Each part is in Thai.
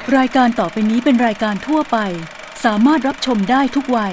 รายการต่อไปนี้เป็นรายการทั่วไปสามารถรับชมได้ทุกวัย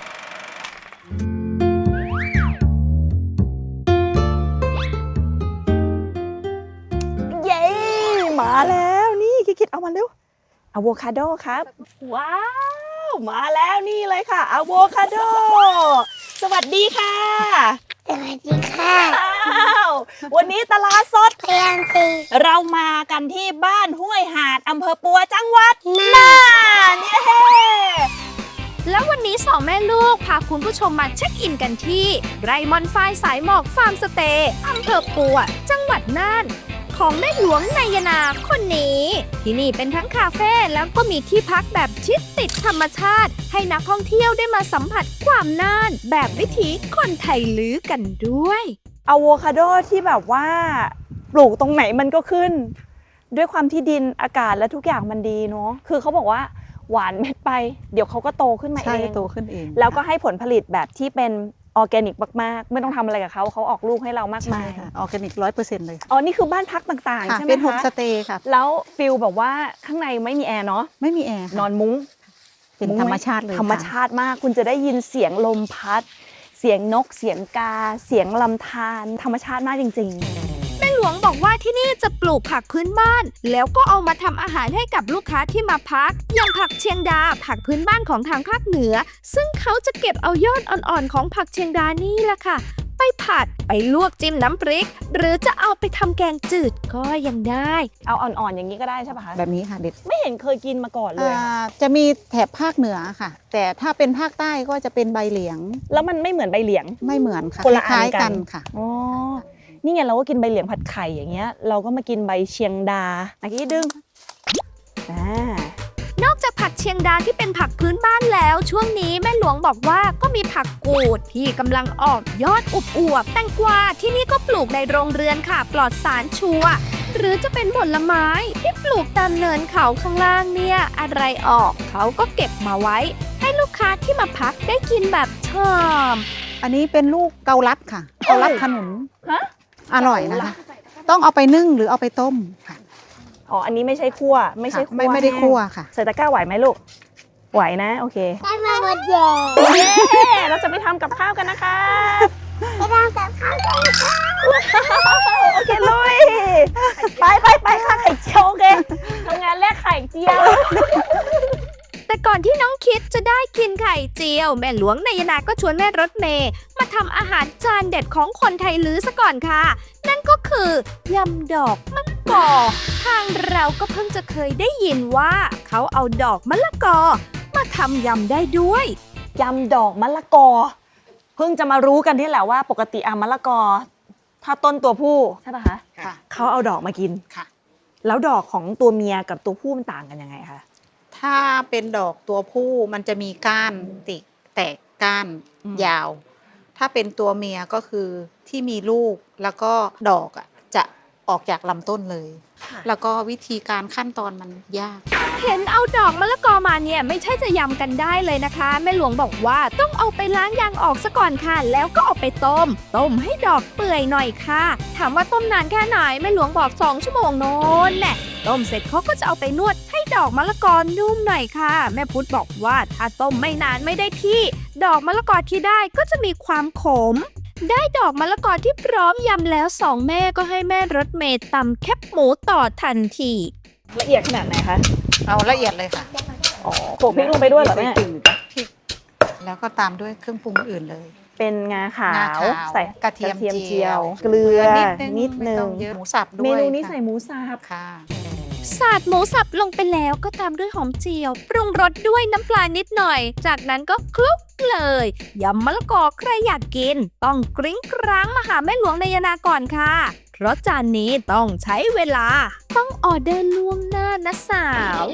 เย้มาแล้วนี่คิดเอามาเร็วอะโวคาโดครับว้าวมาแล้วนี่เลยค่ะอะโวคาโดสวัสดีค่ะสวัสดีค่ะอ้าววันนี้ตลาดสดพยานสีเรามากันที่บ้านห้วยหาดอำเภอปัวจังหวัดน่านเย้แล้ววันนี้สองแม่ลูกพาคุณผู้ชมมาเช็คอินกันที่ไรมอนไฟสายหมอกฟาร์มสเตย์อำเภอปัวจังหวัดน่านของแม่หลวงนายนาคนนี้ที่นี่เป็นทั้งคาเฟ่แล้วก็มีที่พักแบบชิดติดธรรมชาติให้นักท่องเที่ยวได้มาสัมผัสความน่านแบบวิถีคนไทยลื้อกันด้วยอะโวคาโดที่แบบว่าปลูกตรงไหนมันก็ขึ้น ด้วยความที่ดินอากาศและทุกอย่างมันดีเนาะคือเขาบอกว่าหวานเม็ดไปเดี๋ยวเขาก็โตขึ้นมาเอใช่งโตขึ้นเองแล้วก็ให้ผลผลิตแบบที่เป็นออร์แกนิกมากๆไม่ต้องทำอะไรกับเขาออกลูกให้เรามากใช่มายค่ะออร์แกนิก100%เลยอ๋อนี่คือบ้านพักต่างๆค่ะใช่ไหมเป็นโฮมคะสเตย์ค่ะแล้วฟิลแบบว่าข้างในไม่มีแอร์เนาะไม่มีแอร์ค่ะนอนมุ้งเป็นมุ้งธรไหรมชาติเลยธรรมค่ะชาติมากคุณจะได้ยินเสียงลมพัด เสียงนกเสียงกา เสียงลำธารธรรมชาติมากจริงๆแม่หลวงบอกว่าที่นี่จะปลูกผักพื้นบ้าน แล้วก็เอามาทำอาหารให้กับลูกค้าที่มาพัก อย่างผักเชียงดาผักพื้นบ้านของทางภาคเหนือ ซึ่งเขาจะเก็บเอายอดอ่อนๆของผักเชียงดานี่แหละค่ะ ไปผัดไปลวกจิ้มน้ำพริก หรือจะเอาไปทำแกงจืดก็ยังได้เอาอ่อนๆอย่างนี้ก็ได้ใช่ปะคะแบบนี้ค่ะเด็ดไม่เห็นเคยกินมาก่อนเลยค่ะจะมีแถบภาคเหนือค่ะ แต่ถ้าเป็นภาคใต้ก็จะเป็นใบเหลียงแล้วมันไม่เหมือนใบเหลียงไม่เหมือนค่ะคนละคล้ายอันกันๆกันค่ะอ๋อ นี่ไงเราก็กินใบเหลียงผัดไข่อย่างเงี้ย เราก็มากินใบเชียงดาอันนี้ดึงอ่านอกจากผักเชียงดาที่เป็นผักพื้นบ้านแล้ว ช่วงนี้แม่หลวงบอกว่าก็มีผักกูดที่กำลังออกยอดอวบๆแตงกวาที่นี่ก็ปลูกในโรงเรือนค่ะปลอดสารชัวร์หรือจะเป็นผลไม้ที่ปลูกตามเนินเขาข้างล่างเนี่ยอะไรออกเขาก็เก็บมาไว้ ให้ลูกค้าที่มาพักได้กินแบบชอบอันนี้เป็นลูกเกาลัดค่ะ เกาลัดขนุนฮะอร่อยนะคะ ต้องเอาไปนึ่งหรือเอาไปต้มค่ะอ๋อ อันนี้ไม่ใช่คั่ว ไม่ใช่คั่วไม่ได้คั่วค่ะใส่ตะกร้าไหวไหมลูก ไหวนะ โอเคได้มาหมดแย่เย้เราจะไปทำกับข้าวกันนะคะไปทำกับข้าวกันค่ะโอเคลุย ไปค่ะไข่เจียวโอเคทำงานแลกไข่เจียวแต่ก่อนที่น้องคิดจะได้กินไข่เจียว แม่หลวงนายนาก็ชวนแม่รถเมย์มาทำอาหารจานเด็ดของคนไทยลื้อซะก่อนค่ะ นั่นก็คือยำดอกมะละกอ ทางเราก็เพิ่งจะเคยได้ยินว่าเขาเอาดอกมะละกอมาทำยำได้ด้วยยำดอกมะละกอ เพิ่งจะมารู้กันที่แหละว่าปกติมะละกอ ถ้าต้นตัวผู้ใช่ปะคะค่ะเขาเอาดอกมากินค่ะแล้วดอกของตัวเมียกับตัวผู้มันต่างกันยังไงคะถ้าเป็นดอกตัวผู้มันจะมีก้านแตกก้านอืมยาว ถ้าเป็นตัวเมียก็คือที่มีลูกแล้วก็ดอกจะออกจากลำต้นเลย แล้วก็วิธีการขั้นตอนมันยากเห็นเอาดอกมะละกอมาเนี่ยไม่ใช่จะยำกันได้เลยนะคะแม่หลวงบอกว่าต้องเอาไปล้างยางออกซะก่อนค่ะ แล้วก็เอาไปต้มให้ดอกเปื่อยหน่อยค่ะ ถามว่าต้มนานแค่ไหนแม่หลวงบอก2 ชั่วโมงโน้นแน่ต้มเสร็จเขาก็จะเอาไปนวดให้ดอกมะละกอนุ่มหน่อยค่ะ แม่พุธบอกว่าถ้าต้มไม่นานไม่ได้ที่ ดอกมะละกอที่ได้ก็จะมีความขม ได้ดอกมะละกอที่พร้อมยำแล้วสองแม่ก็ให้แม่รถเมย์ตำแคบหมูต่อทันทีละเอียดขนาดไหนคะเอาละเอียดเลยค่ะอ๋อโขลกพริกลงไปด้วยเหรอแม่พริกแล้วก็ตามด้วยเครื่องปรุงอื่นเลยเป็นงาขางาวใส่กระเทียมเจียวเกลือนิดไม่นึต้งองเยอะหมูสับด้วยเมนูนี้ค่ะใส่หมูสับค่ะสาดหมูสับลงไปแล้วก็ตามด้วยหอมเจียว ปรุงรสด้วยน้ำปลานิดหน่อย จากนั้นก็คลุกเลยยำมะละกอใครอยากกิน ต้องกริ้งกร้างมาหาแม่หลวงนายนาก่อนค่ะ เพราะจานนี้ต้องใช้เวลา ต้องออเดอร์ล่วงหน้านะสาว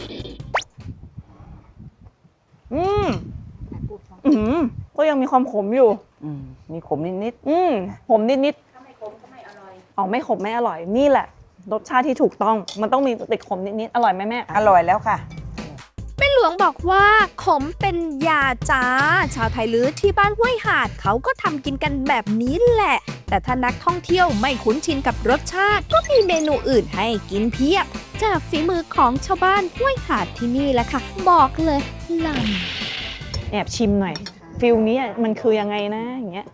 อืมก็ยังมีความขมอยู่มีขมนิดขมนิดๆถ้าไม่ขมก็ไม่อร่อยอ๋อไม่ขมไม่อร่อยนี่แหละ รสชาติที่ถูกต้อง มันต้องมีติดขมนิดๆอร่อยไหมแม่ๆ อร่อยแล้วค่ะแม่หลวงบอกว่าขมเป็นยาจ้า ชาวไทยลื้อที่บ้านห้วยหาดเขาก็ทำกินกันแบบนี้แหละ แต่ถ้านักท่องเที่ยวไม่คุ้นชินกับรสชาติ ก็มีเมนูอื่นให้กินเพียบจากฝีมือของชาวบ้านห้วยหาดที่นี่แหละค่ะ บอกเลยลำแอบชิมหน่อยฟิลนี้มันคือยังไงนะอย่างเงี้ย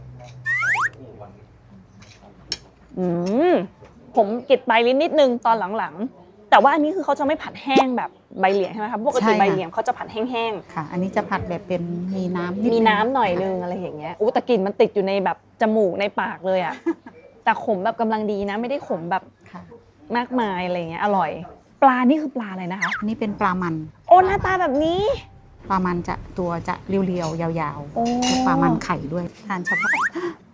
ผมกิดใบลิ้นนิดนึงตอนหลังๆแต่ว่าอันนี้คือเขาจะไม่ผัดแห้งแบบใบเหลียงใช่ไหมคะปกติใบเหลียงเขาจะผัดแห้งค่ะ อันนี้จะผัดแบบเป็นมีน้ำนิดๆมีน้ำหน่อยนึงอะไรอย่างเงี้ยแต่กลิ่นมันติดอยู่ในแบบจมูกในปากเลยอะแต่ขมแบบกำลังดีนะไม่ได้ขมแบบค่ะมากมายอะไรเงี้ยอร่อย ปลานี่คือปลาอะไรนะคะอันนี้เป็นปลามันโอ้หน้าตาแบบนี้ปลามันจะตัวจะเรียวๆยาวโอ้ๆปลามันไข่ด้วยทานเฉพาะ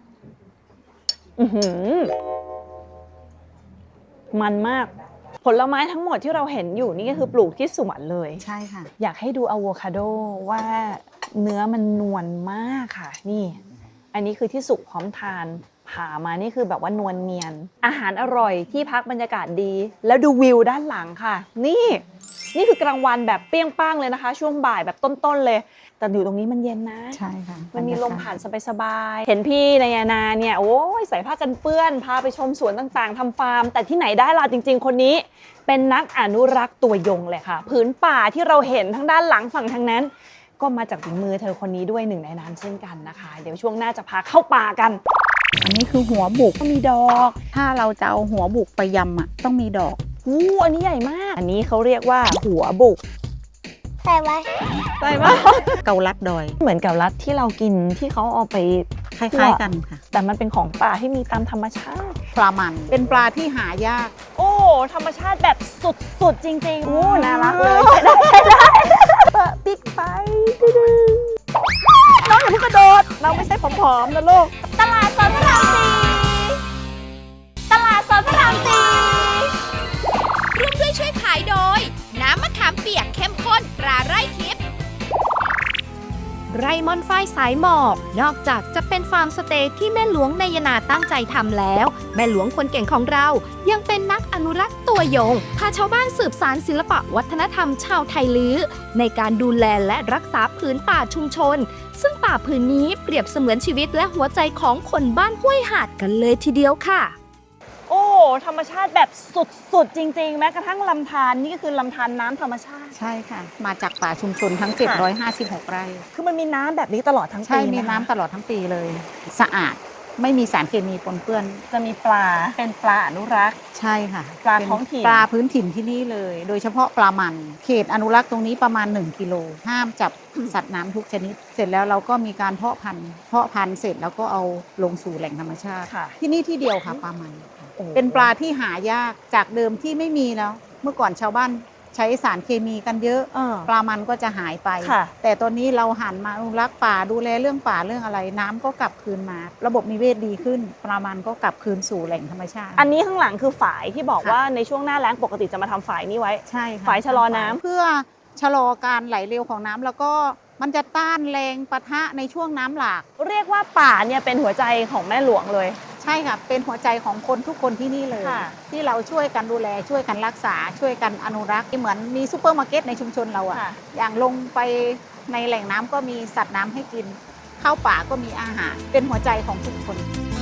มันมากผลไม้ทั้งหมดที่เราเห็นอยู่นี่ก็คือปลูกที่สวนเลยใช่ค่ะอยากให้ดูอะโวคาโดว่าเนื้อมันนวลมากค่ะนี่ อันนี้คือที่สุกพร้อมทานผ่ามานี่คือแบบว่านวลเนียน อาหารอร่อยที่พักบรรยากาศดี แล้วดูวิวด้านหลังค่ะ นี่คือกลางวันแบบเปรี้ยงป้างเลยนะคะ ช่วงบ่ายแบบต้นๆเลย แต่อยู่ตรงนี้มันเย็นนะใช่ค่ะมันมีลมผ่านสบายๆ เห็นพี่นายนาเนี่ยโอ้ยใส่ผ้ากันเปื้อนพาไปชมสวนต่างๆทำฟาร์ม แต่ที่ไหนได้ล่ะจริงๆ คนนี้ เป็นนักอนุรักษ์ตัวยงเลยค่ะผืนป่าที่เราเห็นทั้งด้านหลังฝั่งทางนั้น ก็มาจากฝีมือเธอคนนี้ด้วยหนึ่งในนั้นเช่นกันนะคะ เดี๋ยวช่วงหน้าจะพาเข้าป่ากันอันนี้คือหัวบุกมีดอกถ้าเราจะเอาหัวบุกไปยำอ่ะต้องมีดอกอันนี้ใหญ่มาก อันนี้เขาเรียกว่าหัวบุกใส่ไว้ใช่ปะเกาลัดดอยเหมือนกับรัดที่เรากินที่เขาเอาไปคล้ายๆกันค่ะแต่มันเป็นของป่าที่มีตามธรรมชาติปลามันเป็นปลาที่หายากโอ้ธรรมชาติแบบสุดๆจริงๆโอ้น่ารักเลยใช่ได้เปิดปิ๊กไปดื้อๆน้องอย่าเพิ่งกระโดดเราไม่ใช่ผอมๆนะลูกตลาดสดพระรามสี่ตลาดสดพระรามสี่ร่วมด้วยช่วยขายโดย น้ำมะขามเปียกเข้มข้นตราไร่ทิพย์ไร่มอนฝ้ายสายหมอบนอกจากจะเป็นฟาร์มสเตย์ที่แม่หลวงนายนาตั้งใจทำแล้ว แม่หลวงคนเก่งของเรายังเป็นนักอนุรักษ์ตัวยงพาชาวบ้านสืบสานศิลปะวัฒนธรรมชาวไทยลื้อในการดูแลและรักษาผืนป่าชุมชน ซึ่งป่าผืนนี้เปรียบเสมือนชีวิตและหัวใจของคนบ้านห้วยหาดกันเลยทีเดียวค่ะโอ้ธรรมชาติแบบสุดๆจริงๆแม้กระทั่งลำธารนี่ก็คือลำธารน้ำธรรมชาติใช่ค่ะ มาจากป่าชุมชนทั้ง 756 ไร่คือมันมีน้ำแบบนี้ตลอดทั้งปีใช่มีะคะน้ำตลอดทั้งปีเลย สะอาดไม่มีสารเคมีปนเปื้อนจะมีปลาเป็นปลาอนุรักษ์ใช่ค่ะปลาท้องถิ่นปลาพื้นถิ่นที่นี่เลย โดยเฉพาะปลามัน เขตอนุรักษ์ตรงนี้ประมาณ 1 กิโล ห้ามจับสัตว์น้ำทุกชนิด เสร็จแล้วเราก็มีการเพาะพันธุ์เสร็จแล้วก็เอาลงสู่แหล่งธรรมชาติค่ะที่นี่ที่เดียวค่ะปลามันโอ้เป็นปลาที่หายากจากเดิมที่ไม่มีแล้ว เมื่อก่อนชาวบ้านใช้สารเคมีกันเยอะ ปลามันก็จะหายไปค่ะแต่ตอนนี้เราหันมาอนุรักษ์ป่าดูแลเรื่องป่าเรื่องอะไร น้ำก็กลับคืนมา ระบบนิเวศดีขึ้น ปลามันก็กลับคืนสู่แหล่งธรรมชาติอันนี้ข้างหลังคือฝายที่บอกค่ะว่าในช่วงหน้าแล้งปกติจะมาทำฝายนี้ไว้ใช่ค่ะฝ่ายชะลอน้ำเพื่อชะลอการไหลเร็วของน้ำแล้วก็มันจะต้านแรงปะทะในช่วงน้ำหลากเรียกว่าป่าเนี่ยเป็นหัวใจของแม่หลวงเลยใช่ค่ะ เป็นหัวใจของคนทุกคนที่นี่เลยค่ะที่เราช่วยกันดูแลช่วยกันรักษา ช่วยกันอนุรักษ์เหมือนมีซูเปอร์มาร์เก็ตในชุมชนเราอะค่ะอย่างลงไปในแหล่งน้ำก็มีสัตว์น้ำให้กิน เข้าป่าก็มีอาหาร เป็นหัวใจของทุกคน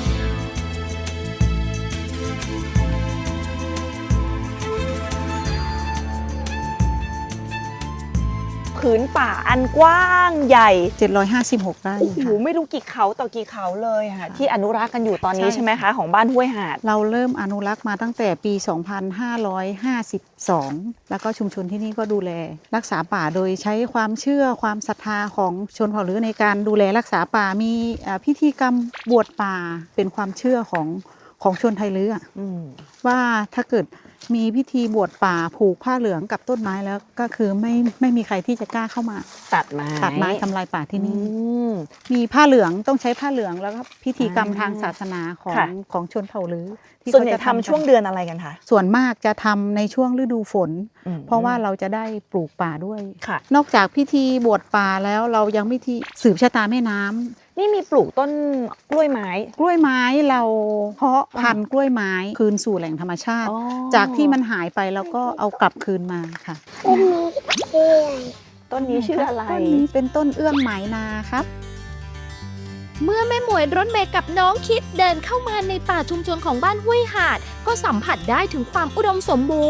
ผืนป่าอันกว้างใหญ่ 756 ไร่โอ้โหค่ะไม่รู้กี่เขาต่อกี่เขาเลยค่ะค่ะที่อนุรักษ์กันอยู่ตอนนี้ใช่ใช่ไหมคะของบ้านห้วยหาดเราเริ่มอนุรักษ์มาตั้งแต่ปี 2552 แล้วก็ชุมชนที่นี่ก็ดูแลรักษาป่าโดยใช้ความเชื่อความศรัทธาของชนเผ่าลื้อในการดูแลรักษาป่ามีพิธีกรรมบวชป่าเป็นความเชื่อของชนไทยลื้ออะว่าถ้าเกิดมีพิธีบวชป่าผูกผ้าเหลืองกับต้นไม้แล้วก็คือไม่มีใครที่จะกล้าเข้ามาตัดไม้ทำลายป่าที่นี่อืมมีผ้าเหลืองต้องใช้ผ้าเหลืองแล้วก็พิธีกรรมทางศาสนาของค่ะของชนเผ่าลื้อที่ส่วนใหญ่เขาจะทำช่วงเดือนอะไรกันคะส่วนมากจะทำในช่วงฤดูฝนอืมเพราะว่าเราจะได้ปลูกป่าด้วยค่ะนอกจากพิธีบวชป่าแล้วเรายังพิธีสืบชะตาแม่น้ำนี่มีปลูกต้นกล้วยไม้กล้วยไม้เราเพาะพันธุ์กล้วยไม้คืนสู่แหล่งธรรมชาติ จากที่มันหายไปแล้วก็เอากลับคืนมาค่ะต้นนี้ชื่ออะไรต้นนี้ชื่ออะไรต้นนี้เป็นต้นเอื้องไหมนาครับเมื่อแม่หมวยรถเมย์กับน้องคิดเดินเข้ามาในป่าชุมชนของบ้านห้วยหาด ก็สัมผัสได้ถึงความอุดมสมบูรณ์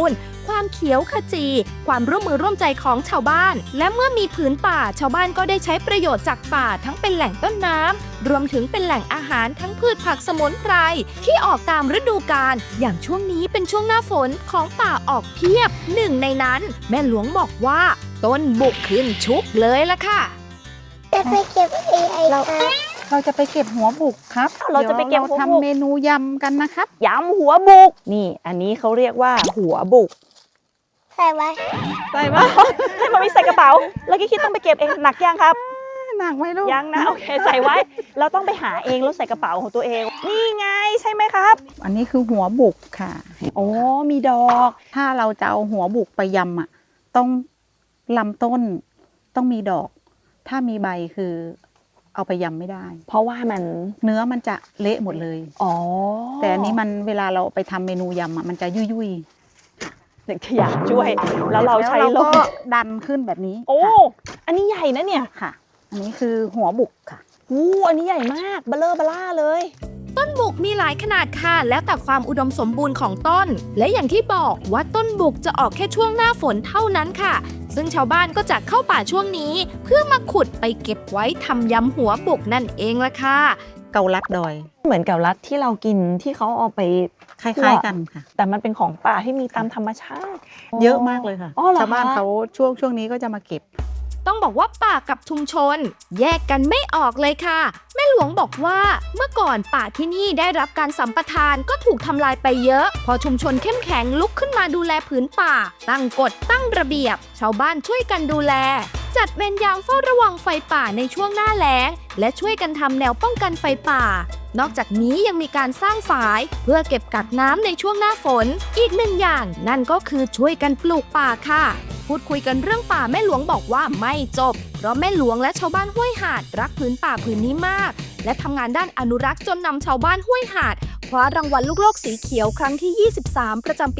ความเขียวขจี ความร่วมมือร่วมใจของชาวบ้าน และเมื่อมีผืนป่าชาวบ้านก็ได้ใช้ประโยชน์จากป่าทั้งเป็นแหล่งต้นน้ำรวมถึงเป็นแหล่งอาหารทั้งพืชผักสมุนไพรที่ออกตามฤดูกาลอย่างช่วงนี้เป็นช่วงหน้าฝนของป่าออกเพียบหนึ่งในนั้นแม่หลวงบอกว่าต้นบุกขึ้นชุกเลยล่ะค่ะจะไปเก็บAI ค่ะเราจะไปเก็บหัวบุกครับเราจะไปเก็บหัวบุกทำเมนูยำกันนะครับยำหัวบุกนี่อันนี้เขาเรียกว่าหัวบุกใส่ไว้ใส่มา ให้มามิใส่กระเป๋าแล้วคิดต้องไปเก็บเองหนักยังครับหนักไหมลูกยังนะโอเคใส่ไว้เราต้องไปหาเองแล้วใส่กระเป๋าของตัวเอง นี่ไงใช่ไหมครับอันนี้คือหัวบุกค่ะโอ้มีดอกถ้าเราจะเอาหัวบุกไปยำอ่ะต้องลำต้นต้องมีดอก ถ้ามีใบคือเอาไปยำไม่ได้เพราะว่ามันเนื้อมันจะเละหมดเลยอ๋อแต่อันนี้มันเวลาเราไปทำเมนูยำอ่ะมันจะยุ่ยหนึ่งขยะช่วย แล้วเราใช้แล้วลก็มดันขึ้นแบบนี้โอ้อันนี้ใหญ่นะเนี่ยค่ะ อันนี้คือหัวบุกค่ะอันนี้ใหญ่มากเบลอล่าเลยต้นบุกมีหลายขนาดค่ะ แล้วแต่ความอุดมสมบูรณ์ของต้น และอย่างที่บอกว่าต้นบุกจะออกแค่ช่วงหน้าฝนเท่านั้นค่ะ ซึ่งชาวบ้านก็จะเข้าป่าช่วงนี้ เพื่อมาขุดไปเก็บไว้ทำยำหัวบุกนั่นเองละค่ะเกาลัดดอยเหมือนกับรัดที่เรากินที่เขาเอาไปคล้ายๆกันค่ะแต่มันเป็นของป่าที่มีตามธรรมชาติเยอะมากเลยค่ะอ๋อเหรอคะชาวบ้านเขาช่วงนี้ก็จะมาเก็บต้องบอกว่าป่ากับชุมชน แยกกันไม่ออกเลยค่ะ แม่หลวงบอกว่าเมื่อก่อนป่าที่นี่ได้รับการสัมปทานก็ถูกทำลายไปเยอะ พอชุมชนเข้มแข็งลุกขึ้นมาดูแลผืนป่า ตั้งกฎตั้งระเบียบ ชาวบ้านช่วยกันดูแล จัดเวรยามเฝ้าระวังไฟป่าในช่วงหน้าแล้ง และช่วยกันทำแนวป้องกันไฟป่า นอกจากนี้ยังมีการสร้างฝาย เพื่อเก็บกักน้ำในช่วงหน้าฝน อีกหนึ่งอย่างนั่นก็คือช่วยกันปลูกป่าค่ะ พูดคุยกันเรื่องป่าแม่หลวงบอกว่าไม่จบ เพราะแม่หลวงและชาวบ้านห้วยหาดรักผืนป่าผืนนี้มาก และทำงานด้านอนุรักษ์จนนำชาวบ้านห้วยหาดคว้ารางวัลลูกโลกสีเขียวครั้งที่ 23 ประจำปี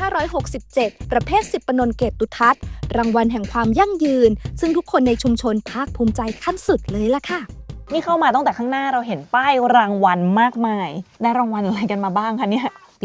2567 ประเภท10 ปนนเกตุทัศน์รางวัลแห่งความยั่งยืน ซึ่งทุกคนในชุมชนภาคภูมิใจขั้นสุดเลยล่ะค่ะนี่เข้ามาตั้งแต่ข้างหน้าเราเห็นป้ายรางวัลมากมายได้รางวัลอะไรกันมาบ้างคะเนี่ยปี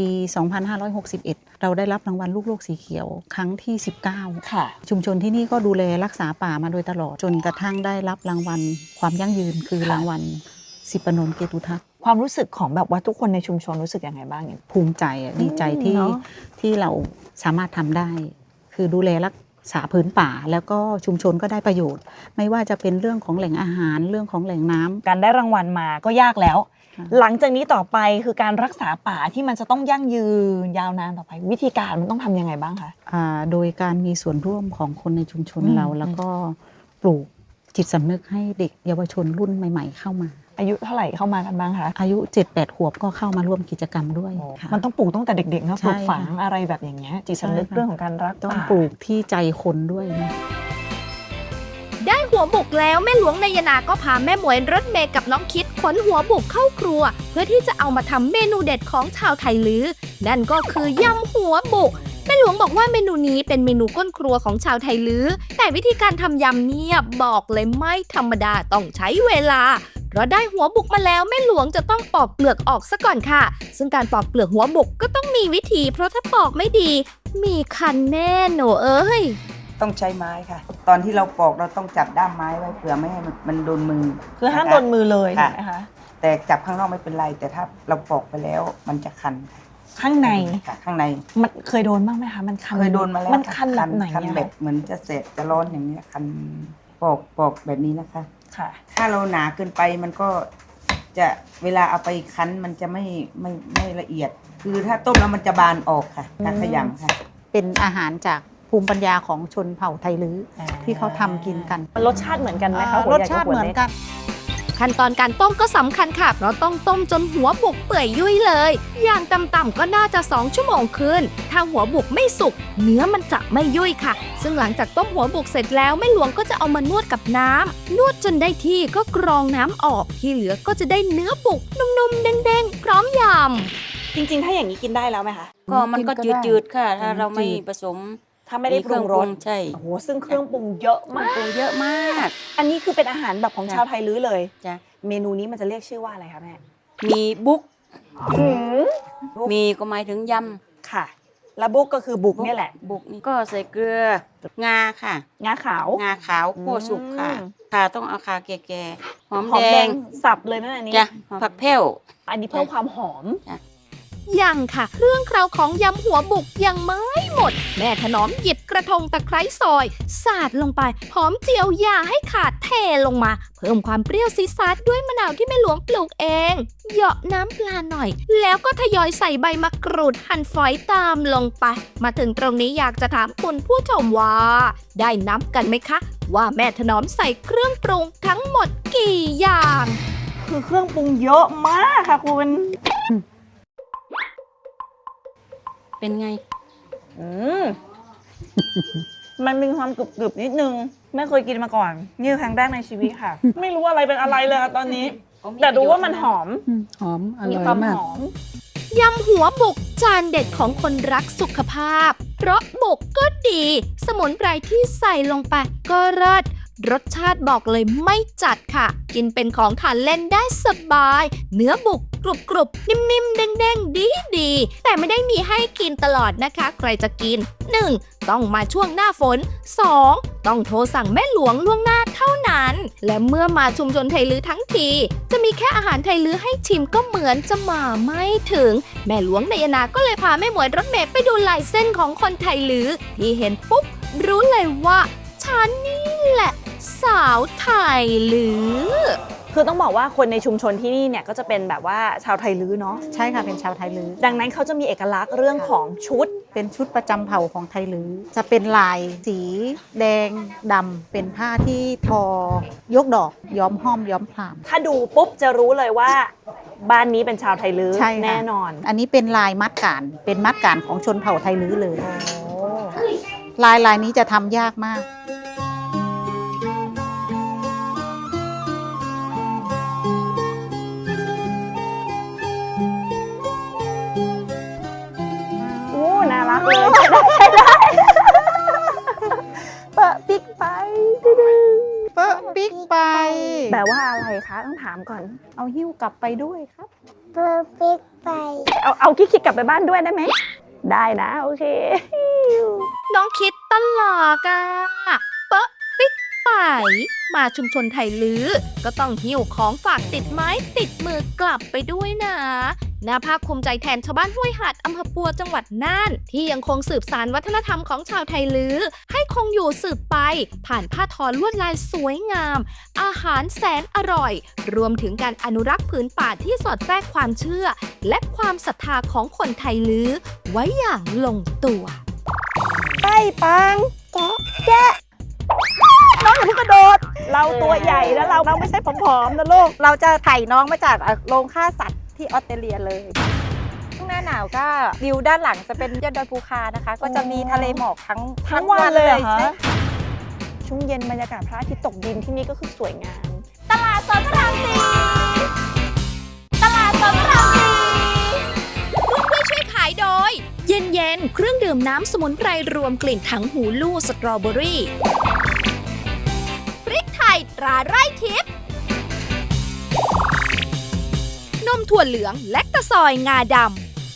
2561 เราได้รับรางวัลลูกโลกสีเขียวครั้งที่ 19 ค่ะชุมชนที่นี่ก็ดูแลรักษาป่ามาโดยตลอด จนกระทั่งได้รับรางวัลความยั่งยืนคือรางวัล10 ปนนเกตุทัศน์ความรู้สึกของแบบว่าทุกคนในชุมชนรู้สึกยังไงบ้างเนี่ยภูมิใจอะดีใจที่เนอะที่เราสามารถทำได้ คือดูแลรักษาพื้นป่า แล้วก็ชุมชนก็ได้ประโยชน์ ไม่ว่าจะเป็นเรื่องของแหล่งอาหารเรื่องของแหล่งน้ำการได้รางวัลมาก็ยากแล้วค่ะหลังจากนี้ต่อไปคือการรักษาป่าที่มันจะต้องยั่งยืนยาวนานต่อไป วิธีการมันต้องทำยังไงบ้างคะโดยการมีส่วนร่วมของคนในชุมชนอืมเราแล้วก็ปลูกจิตสำนึกให้เด็กเยาวชนรุ่นใหม่ ๆ เข้ามาอายุเท่าไหร่เข้ามากันบ้างคะอายุ 7-8 ขวบก็เข้ามาร่วมกิจกรรมด้วยค่ะมันต้องปลูกตั้งแต่เด็กๆนะใช่ปลูกฝังค่ะอะไรแบบอย่างเงี้ยจิตสำนึกใช่ค่ะเรื่องของการรักต้องป่าปลูกที่ใจคนด้วยนะได้หัวบุกแล้วแม่หลวงนายนาก็พาแม่หมวยรถเมย์กับน้องคิดขนหัวบุกเข้าครัว เพื่อที่จะเอามาทำเมนูเด็ดของชาวไทยลือ นั่นก็คือยำหัวบุกแม่หลวงบอกว่าเมนูนี้เป็นเมนูก้นครัวของชาวไทยลือ แต่วิธีการทำยำเนี่ยบอกเลยไม่ธรรมดาต้องใช้เวลา เพราะได้หัวบุกมาแล้วแม่หลวงจะต้องปอกเปลือกออกซะก่อนค่ะ ซึ่งการปอกเปลือกหัวบุกก็ต้องมีวิธี เพราะถ้าปอกไม่ดี มีคันแน่หนูเอ้ยต้องใช้ไม้ค่ะ ตอนที่เราปอกเราต้องจับด้ามไม้ไว้เผื่อไม่ให้มันโดนมือคือห้ามะะโดนมือเลยค่ะนะคะแต่จับข้างนอกไม่เป็นไร แต่ถ้าเราปอกไปแล้วมันจะคันค่ะข้างในค่ะข้างในมันเคยโดนบ้างไหมคะมันคันเคยโดนมาแล้วมันคันแบบไหนคันอะแบบเหมือนจะเสพจะร้อนอย่างนี้ยคันปอกแบบนี้นะคะค่ะถ้าเราหนาเกินไปมันก็จะเวลาเอาไปคั้นมันจะไม่ละเอียด คือถ้าต้มแล้วมันจะบานออกค่ะถ้าขยำค่ะเป็นอาหารจากภูมิปัญญาของชนเผ่าไทยลื้อที่เขาทำกินกันมันรสชาติเหมือนกันไหมคะหัวรสใญ่ชากับติหัวเหมือนเล็กกันขั้นตอนการต้มก็สำคัญค่ะ เพราะต้องต้มจนหัวบุกเปื่อยยุ่ยเลย อย่างต่ำๆก็น่าจะ2 ชั่วโมงขึ้น ถ้าหัวบุกไม่สุก เนื้อมันจะไม่ยุ่ยค่ะ ซึ่งหลังจากต้มหัวบุกเสร็จแล้วแม่หลวงก็จะเอามานวดกับน้ำนวดจนได้ที่ก็กรองน้ำออกที่เหลือก็จะได้เนื้อบุกนุ่มๆเด้งๆพร้อมยำจริงๆ ถ้าอย่างนี้กินได้แล้วไหมคะก็มันก็จืดๆค่ะ ถ้าเราไม่ผสมถ้าไม่ได้ปรุงรสใช่โอ้โหซึ่งเครื่องปรุงเยอะมากปรุงเยอะมากอันนี้คือเป็นอาหารแบบของจ้ะชาวไทยลื้อเลยจ้ะเมนูนี้มันจะเรียกชื่อว่าอะไรคะแม่มีบุ๊กหืมมีก็หมายถึงยค่ะแล้วบุกก็คือบุกเนี่ยแหละบุกนี่ก็ใส่เกลือ งาค่ะงาขาวงาขาวคั่วสุกค่ะอืมค่ะต้องเอาคาแก่ๆหอมหอมแดแดงงสับเลยนะอันนี้จ้ะผักแพ้วอันนี้เพิ่มความหอมยังค่ะเครื่องเคราวของยำหัวบุกยังไม่หมด แม่ถนอมหยิบกระทงตะไคร้ซอยสาดลงไปหอมเจียวอย่าให้ขาดเทลงมา เพิ่มความเปรี้ยวซีดซัดด้วยมะนาวที่แม่หลวงปลูกเองเหยาะน้ำปลาหน่อย แล้วก็ทยอยใส่ใบมะกรูดหั่นฝอยตามลงไป มาถึงตรงนี้อยากจะถามคุณผู้ชมว่า ได้นับกันไหมคะ ว่าแม่ถนอมใส่เครื่องปรุงทั้งหมดกี่อย่างคือเครื่องปรุงเยอะมากค่ะคุณเป็นไงอืม มันมีความกรึบๆนิดนึง ไม่เคยกินมาก่อน นี่คือครั้งแรกในชีวิตค่ะ ไม่รู้อะไรเป็นอะไรเลยค่ะตอนนี้ แต่รู้ว่ามันหอมหอมอมีร่อยความมากหอมยำหัวบุกจานเด็ดของคนรักสุขภาพ เพราะบุกก็ดี สมุนไพรที่ใส่ลงไปก็เลิศรสชาติบอกเลยไม่จัดค่ะ กินเป็นของทานเล่นได้สบาย เนื้อบุกกรุบๆ นิ่มๆ เด้งๆ ดีๆ แต่ไม่ได้มีให้กินตลอดนะคะ ใครจะกิน 1. ต้องมาช่วงหน้าฝน 2. ต้องโทรสั่งแม่หลวงล่วงหน้าเท่านั้น และเมื่อมาชุมชนไทยลื้อทั้งที จะมีแค่อาหารไทยลื้อให้ชิมก็เหมือนจะมาไม่ถึง แม่หลวงนายนาก็เลยพาแม่หมวยรถเมล์ไปดูลายเส้นของคนไทยลื้อที่เห็นปุ๊บรู้เลยว่าฉันนี่แหละ สาวไทยลื้อคือต้องบอกว่าคนในชุมชนที่นี่เนี่ยก็จะเป็นแบบว่าชาวไทยลื้อเนาะใช่ค่ะเป็นชาวไทยลื้อดังนั้นเขาจะมีเอกลักษณ์เรื่องของชุดเป็นชุดประจำเผ่าของไทยลื้อจะเป็นลายสีแดงดำเป็นผ้าที่ทอยกดอกย้อมห้อมย้อมพรามถ้าดูปุ๊บจะรู้เลยว่าบ้านนี้เป็นชาวไทยลื้อใช่ค่ะแน่นอนอันนี้เป็นลายมัดการเป็นมัดการของชนเผ่าไทยลื้อเลยลายนี้จะทำยากมากโอ้น่ารักเลยใช่ได้เปะปิ๊กไปเปิ้ลปิ๊กไปแปลว่าอะไรคะต้องถามก่อนเอาหิ้วกลับไปด้วยครับเบอร์ปิ๊กไปเอาคิดกลับไปบ้านด้วยได้ไหม ได้นะ โอเคน้องคิดตลอกอะเป๊ะปิ๊กไป มาชุมชนไทยลื้อ ก็ต้องหิ้วของฝากติดไม้ติดมือกลับไปด้วยนะน่าภาคภูมิใจแทนชาวบ้านห้วยหาดอำเภอปัวจังหวัดน่าน ที่ยังคงสืบสานวัฒนธรรมของชาวไทยลื้อ ให้คงอยู่สืบไป ผ่านผ้าทอลวดลายสวยงาม อาหารแสนอร่อย รวมถึงการอนุรักษ์ผืนป่าที่สอดแทรกความเชื่อ และความศรัทธาของคนไทยลื้อ ไว้อย่างลงตัวไปปัง แกะน้องอย่าเพิ่งกระโดด เราตัวใหญ่แล้วเราไม่ใช่ผอมๆนะลูกเราจะไถ่น้องมาจากโรงฆ่าสัตว์ที่ออสเตรเลียเลยช่วงหน้าหนาวก็วิวด้านหลังจะเป็นยอดดอยภูคานะคะ ก็จะมีทะเลหมอกทั้งวันเลยเหรอคะใช่ช่วงเย็นบรรยากาศพระอาทิตย์ตกดินที่นี่ก็คือสวยงามตลาดสดพระรามสี่ตลาดสดพระรามสี่ร่วมด้วยช่วยขายโดย เย็นๆ เครื่องดื่มน้ำสมุนไพรรวมกลิ่นถังหูลู่สตรอเบอรี่ พริกไทยตราไร่ทิพย์ นมถั่วเหลืองและตะซอยงาดำ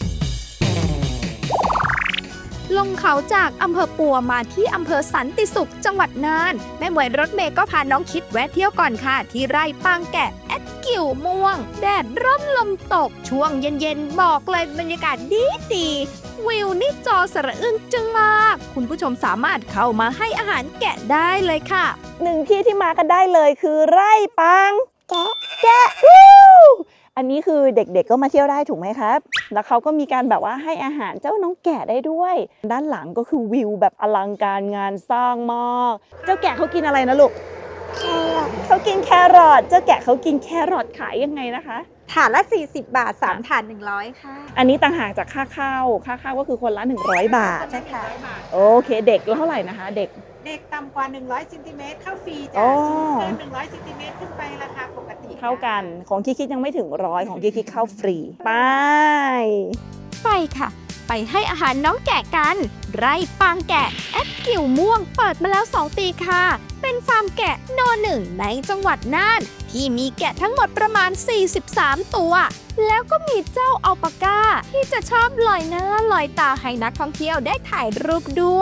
ลงเขาจากอำเภอปัวมาที่อำเภอสันติสุขจังหวัดน่าน แม่หมวยรถเมย์ก็พาน้องคิดแวะเที่ยวก่อนค่ะ ที่ไร่ปางแกะแอดกิ่วม่วง แดดร่มลมตก ช่วงเย็นๆ บอกเลยบรรยากาศดีวิวนี่จอสระอึ้งจึงมาก คุณผู้ชมสามารถเข้ามาให้อาหารแกะได้เลยค่ะหนึ่งที่ที่มากันได้เลยคือไร่ปัง แกะอันนี้คือเด็กๆก็มาเที่ยวได้ถูกไหมครับ แล้วเขาก็มีการแบบว่าให้อาหารเจ้าน้องแกะได้ด้วย ด้านหลังก็คือวิวแบบอลังการงานสร้างมาก เจ้าแกะเขากินอะไรนะลูก เขากินแครอท เจ้าแกะเขากินแครอทขายยังไงนะคะถาดละ 40 บาท 3 ถาด 100 ค่ะอันนี้ต่างหากจากค่าข้าวก็คือคนละ100 บาทใช่ค่ะโอเค เด็กเท่าไหร่นะคะ เด็กเด็กต่ำกว่า100ซนติเมตรเข้าฟรีอ๋จ้ะอสูงเกิน100ซนติเมตรขึ้นไปราคาปกติเท่ากัน ของคิดยังไม่ถึง100ของคิดเข้าฟรี ไปไปค่ะไปให้อาหารน้องแกะกัน ไร่ปางแกะแอดกิ่วม่วงเปิดมาแล้ว 2 ปีค่ะ เป็นฟาร์มแกะน.1 ในจังหวัดน่าน ที่มีแกะทั้งหมดประมาณ 43 ตัว แล้วก็มีเจ้าอัลปาก้าที่จะชอบลอยหน้าลอยตาให้นักท่องเที่ยวได้ถ่ายรูปด้วย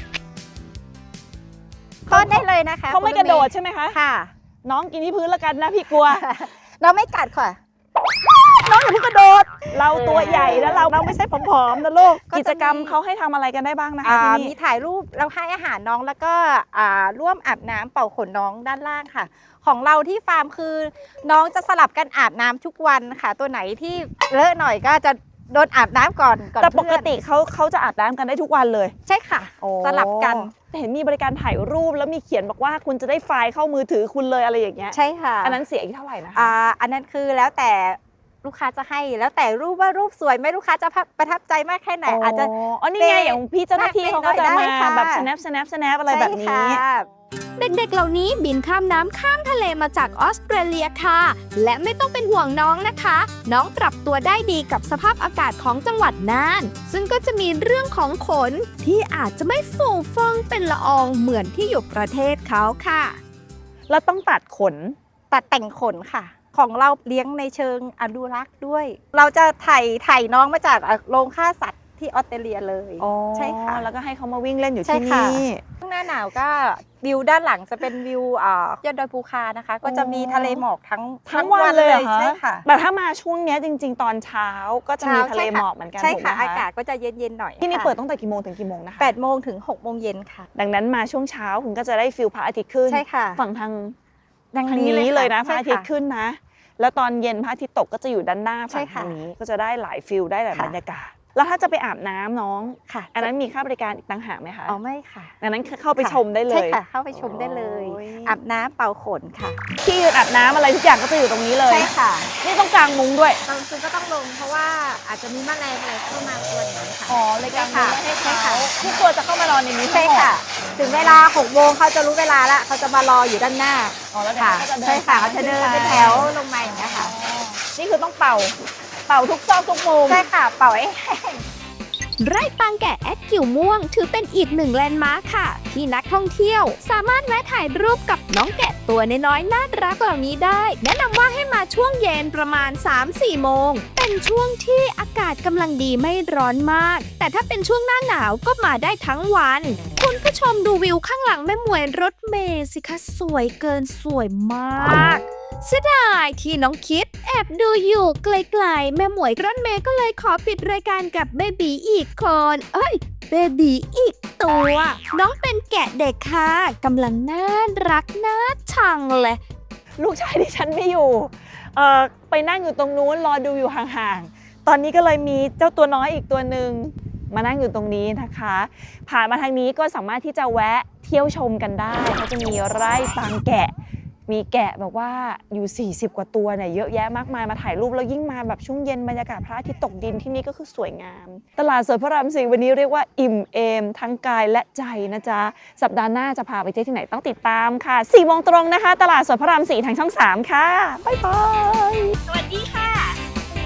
ก็ได้เลยนะคะเขาไม่กระโดดใช่ไหมคะค่ะน้องกินที่พื้นแล้วกันนะพี่กลัวเราไม่กัดค่ะน้องอย่าเพิ่งกระโดด เราตัวใหญ่แล้วเราไม่ใช่ผอมๆนะลูกก็จะมีกิจกรรมเขาให้ทำอะไรกันได้บ้างนะคะที่มีนี่ถ่ายรูปเราให้อาหารน้องแล้วก็ร่วมอาบน้ำเป่าขนน้องด้านล่างค่ะ ของเราที่ฟาร์มคือน้องจะสลับกันอาบน้ำทุกวันค่ะ ตัวไหนที่เลอะหน่อยก็จะโดนอาบน้ำก่อนแต่ปกเพื่อนติเขาจะอาบน้ำกันได้ทุกวันเลยใช่ค่ะ สลับกันเห็นมีบริการถ่ายรูปแล้วมีเขียนบอกว่าคุณจะได้ไฟล์เข้ามือถือคุณเลยอะไรอย่างเงี้ยใช่ค่ะอันนั้นเสียอีกเท่าไหร่นะคะอันนั้นคือแล้วแต่ลูกค้าจะให้แล้วแต่รูปว่ารูปสวยไหมลูกค้าจะประทับใจมากแค่ไหนอาจจะอ๋อนี่ไงอย่างพี่เจ้าหน้าที่เขาก็จะได้มาค่ะแบบ snap อะไรแบบนี้ใช่ค่ะเด็กๆ เหล่านี้บินข้ามน้ำข้ามทะเลมาจากออสเตรเลียค่ะ และไม่ต้องเป็นห่วงน้องนะคะ น้องปรับตัวได้ดีกับสภาพอากาศของจังหวัดน่าน ซึ่งก็จะมีเรื่องของขนที่อาจจะไม่ฟูฟ่องเป็นละอองเหมือนที่อยู่ประเทศเขาค่ะแล้วต้องตัดขนตัดแต่งขนค่ะ ของเราเลี้ยงในเชิงอนุรักษ์ด้วย เราจะถ่ายน้องมาจากโรงฆ่าสัตว์ที่ออสเตรเลียเลยใช่ค่ะแล้วก็ให้เขามาวิ่งเล่นอยู่ใช่ที่ค่ะนี่ช่วงหน้าหนาวก็วิวด้านหลังจะเป็นวิวยอดดอยภูคานะคะ ก็จะมีทะเลหมอกทั้งวันเลยเหรอคะใช่ค่ะแต่ถ้ามาช่วงเนี้ยจริง ๆ ตอนเช้าก็จะมีทะเลหมอกเหมือนกันใช่ถูกไหมค่ะคะอากาศก็จะเย็นๆหน่อยที่นี่ค่ะเปิดตั้งแต่กี่โมงถึงกี่โมงนะคะ 8 โมงถึง 6 โมงเย็นค่ะดังนั้นมาช่วงเช้าคุณก็จะได้ฟิลพระอาทิตย์ขึ้นใช่ค่ะฝั่งทางดังทางนี้นี้เลยนะพใช่ระอาทิตย์ขึ้นนะ แล้วตอนเย็นพระอาทิตย์ตกก็จะอยู่ด้านหน้าใช่ฝั่งค่ะทางนี้ก็จะได้หลายฟิลได้หลายค่ะบรรยากาศ แล้วถ้าจะไปอาบน้ำน้องค่ะอันนั้นมีค่าบริการอีกต่างหากไหมคะอ๋อไม่ค่ะดังนั้นเข้าไปชมได้เลใช่ยค่ะ เข้าไปชมได้เลยโอ้ยอาบน้ำเป่าขนค่ะที่ยืนอาบน้ำอะไรทุกอย่างก็จะอยู่ตรงนี้เลยใช่ค่ะนี่ต้องกางมุ้งด้วยบางคนก็ต้องลงเพราะว่าอาจจะมีแมลงอะไรเข้ามากวนอย่างนี้ค่ะอ๋อเลยกางมุ้งไว้ให้ใช่เขาค่ะทุกตัวจะเข้ามานอนในนี้ใช่ค่ะ ถึงเวลา 6 โมงเขาจะรู้เวลาแล้วเขาจะมารออยู่ด้านหน้าอ๋อแล้วเดี๋ยวค่ะเขาก็จะเดินใช่ค่ะเขาจะเดินขึ้เป็นไปแถวลงมาอย่างนี้ยค่ะนี่คือต้องเป่าทุกซอกทุกมุมใช่ค่ะ เป่าให้แห้งไร่ปางแกะแอดกิ่วม่วงถือเป็นอีกหนึ่งแลนด์มาร์คค่ะ ที่นักท่องเที่ยวสามารถแวะถ่ายรูปกับน้องแกะตัวน้อยๆน่ารักเหล่านี้ได้ แนะนำว่าให้มาช่วงเย็นประมาณ 3-4 โมง เป็นช่วงที่อากาศกำลังดีไม่ร้อนมาก แต่ถ้าเป็นช่วงหน้าหนาวก็มาได้ทั้งวัน คุณผู้ชมดูวิวข้างหลังแม่หมวยรถเมล์สิคะสวยเกินสวยมากเสียดายที่น้องคิดแอบดูอยู่ไกลๆแม่หมวยรถเมย์ก็เลยขอปิดรายการกับเบบีอีกคนเบบีอีกตัว น้องเป็นแกะเด็กค่ะกำลังน่ารักน่าชังเลยลูกชายดิฉันไม่อยู่ไปนั่งอยู่ตรงนู้นรอดูอยู่ห่างๆ ตอนนี้ก็เลยมีเจ้าตัวน้อยอีกตัวหนึ่งมานั่งอยู่ตรงนี้นะคะ ผ่านมาทางนี้ก็สามารถที่จะแวะเที่ยวชมกันได้เขาจะมีไร่ปางแกะ มีแกะแบบว่าอยู่40 กว่าตัวเนี่ยเยอะแยะมากมายมาถ่ายรูปแล้วยิ่งมาแบบช่วงเย็นบรรยากาศพระอาทิตย์ตกดินที่นี่ก็คือสวยงาม ตลาดสดพระราม 4วันนี้เรียกว่าอิ่มเอมทั้งกายและใจนะจ๊ะสัปดาห์หน้าจะพาไปเที่ยวที่ไหนต้องติดตามค่ะ4 โมงตรงนะคะ ตลาดสดพระราม 4ทางช่อง 3 ค่ะบ๊ายบายสวัสดีค่ะ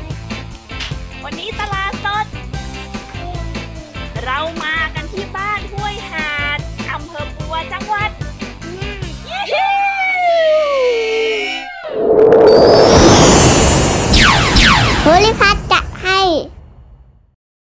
วันนี้ตลาดสดเรามากันที่บ้าน